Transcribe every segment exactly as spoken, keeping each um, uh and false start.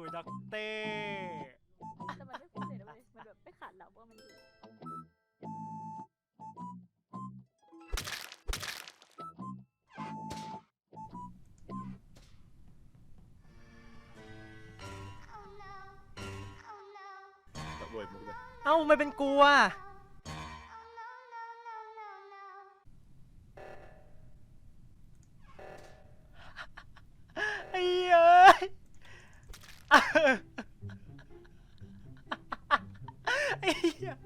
ด็อกเต้แต่มันไม่พูดเลยนะเว้ยมันแบบไม่ขาดหลับว่ามันอยู่เวิร์ดมุกเลยเอ้าไม่เป็นกูอ่ะไอ้เอ้ยไอ้เหี้ย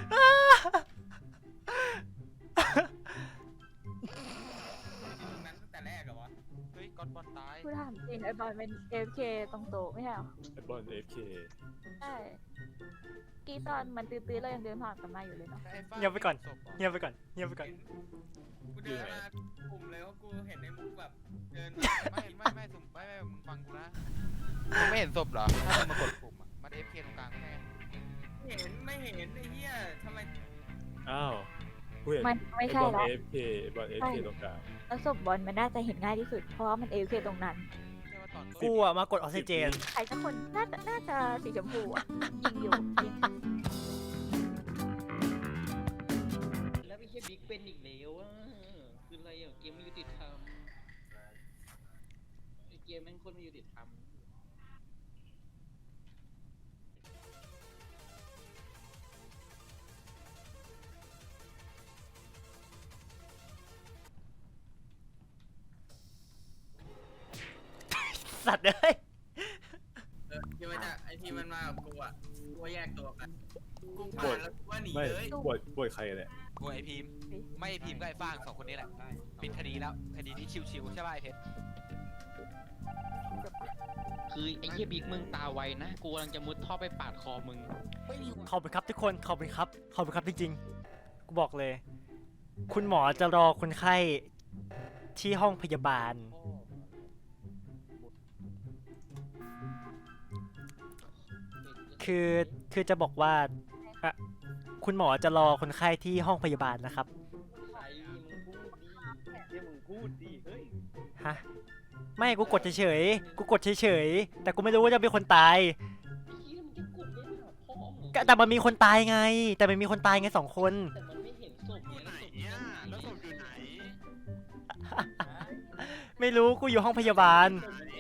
นั้นตั้งแต่แรกเหรอวะเฮ้ยก้อนบอลตายกูถามจริงไอ้บอลเป็น เอ เอฟ เค ตรงโต๊ะไม่ใช่เหรอไอ้บอลเอฟเคใช่กี้ตอนมันตื้อๆเรายังเดินผ่านกันมาอยู่เลยเนาะเงียบไปก่อนเงียบไปก่อนเงียบไปก่อนกูเดินมากลุ่มเลยว่ากูเห็นในมุกแบบเดินไม่ไม่ไม่สุ่มไม่ไม่มึงฟังกูนะมึงไม่เห็นศพเหรอถ้ามึงมากดปุ่มอ่ะมันเอฟเคตรงกลางไม่ใช่เห็นไม่เห็นไอ้เหี้ยทำไมอ้าวกูเห็นมันไม่ไอ้ใช่บอลแล้วเอฟเคไอ้บอลเอฟเคตรงกลางแล้วศพบอลมันน่าจะเห็นง่ายที่สุดเพราะว่ามัน เอ เอฟ เค ตรงนั้นใช่ว่าตอนกูอ่ะมากดออกซิเจนใครสักคนน่าจะน่าจะสีชมพูอ่ะยิงอยู่ยิงแล้วไม่ใช่บิ๊กเป็นอีกแล้วอ่ะคืออะไรอ่ะเกมไม่ยุติธรรมไอเกมแม่งโคนไม่ยุติธรรมสัตว์เอ้ยเออที่มันจะไอ้ที่มันมากับกูอ่ะกูว่าแยกตัวกันกูผ่านแล้วกูว่าหนีไม่เลยบวชบวชใครเนี่ยกูไอพีมไม่ไอพีมก็ไอฟางสองคนนี้แหละปิดคดีแล้วคดีนี้ชิวๆใช่ป่ะไอเพชรคือไอ้เหี้ยบิ๊กมึงตาไวนะกูกำลังจะมุดท่อไปปาดคอมึงขอบคุณครับทุกคนขอบคุณครับขอบคุณครับจริงๆกูบอกเลย คุณหมอจะรอคนไข้ที่ห้องพยาบาล คือคือจะบอกว่าอะคุณหมอจะรอคนไข้ที่ห้องพยาบาลนะครับใครมึงพูดดิเดี๋ยวมึงพูดดิเฮ้ยฮะไม่กูกดเฉยๆกูกดเฉยๆแต่กูไม่รู้ว่าจะเป็นคนตายไอ้เหี้ยมึงจะกดเล่นหาพ่อมึงก็แต่มันมีคนตายไง แต่มันมีคนตายไงสองคนแต่มันไม่เห็นศพที่ไงไหนเนี่ยแล้วศพอยู่ไหนไม่รู้กูอยู่ห้องพยาบาล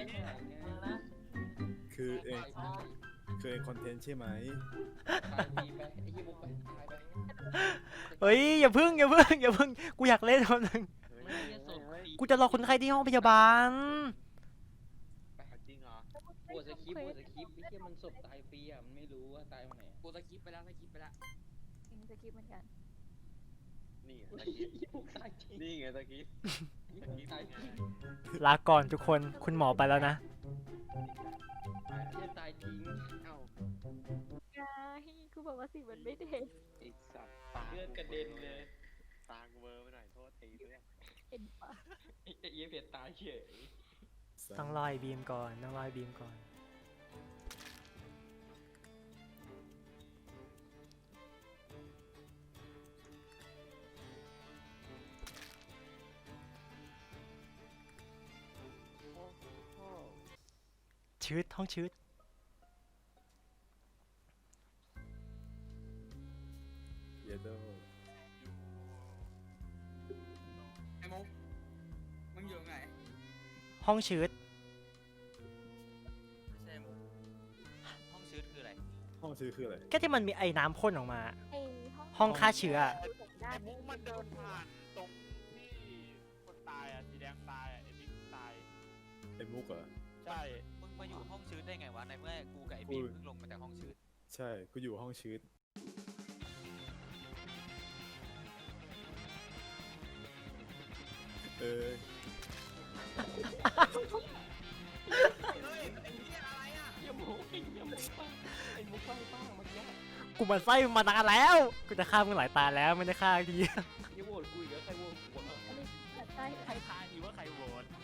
คือเองคือเองคอนเทนต์ใช่ไหมตายดีไปไอ้เหี้ยบุกไปตายไปเฮ้ยอย่าพึ่งอย่าพึ่งอย่าพึ่งกูอยากเล่นคนนึงไม่เหี้ยศพกูจะรอคนไข้ที่ห้องพยาบาลจริงเหรอปวดสคริปต์ปวดสคริปต์ไอ้เหี้ยมันศพตายฟรีอ่ะมันไม่รู้ว่าตายวันไหนปวดสคริปต์ไปแล้วสคริปต์ไปแล้วยิงสกิปเหมือนกันนี่ไงไอ้เหี้ยบุกตายจริงนี่ไงตะกี้บุกตายจริงลาก่อนทุกคนคุณหมอไปแล้วนะเหี้ยตายจริงเอ้าไงกูบอกว่าสีมันไม่เด็ดไอ้สัตว์เลือดกระเด็นเลยตากูเบอร์ไปหน่อยโทษทีเพื่อนเห็นปะไอ้เหี้ยเพียตายเฉยต้องรอยบีมก่อนต้องรอยบีมก่อน ชืดห้องชืดเยโดไอ้มุกมึงอยู่ไหนห้องชืดไม่ใช่มุกห้องชืดคืออะไรห้องชื่อคืออะไรก็ที่มันมีไอ้น้ำพ่นออกมาไอ้ห้องห้องฆ่าเชื้อด้านมุกมันเดินผ่านตรงที่คนตายอ่ะสีแดงตายอ่ะไอ้บิ๊กตายไอ้มุกเหรอใช่มึงมาอยู่ห้องชืดได้ไงวะในเมื่อกูกับไอพีมเพิ่งลงมาจากห้องชืดใช่กูอยู่ห้องชืดเออเฮ้ยไอ้เหี้ยอะไรอ่ะเหี้ยหมูไอ้เหี้ยหมูป้าไอ้หมูป้าป้าเมื่อกี้กูมันไส้มานานแล้ว กูจะฆ่ามึงหลายตาแล้วไม่ได้ฆ่าทีเหี้ยโหวตกูอีกแล้วใครโหวตกูวะใช่ใครทายดีว่าใครโหวต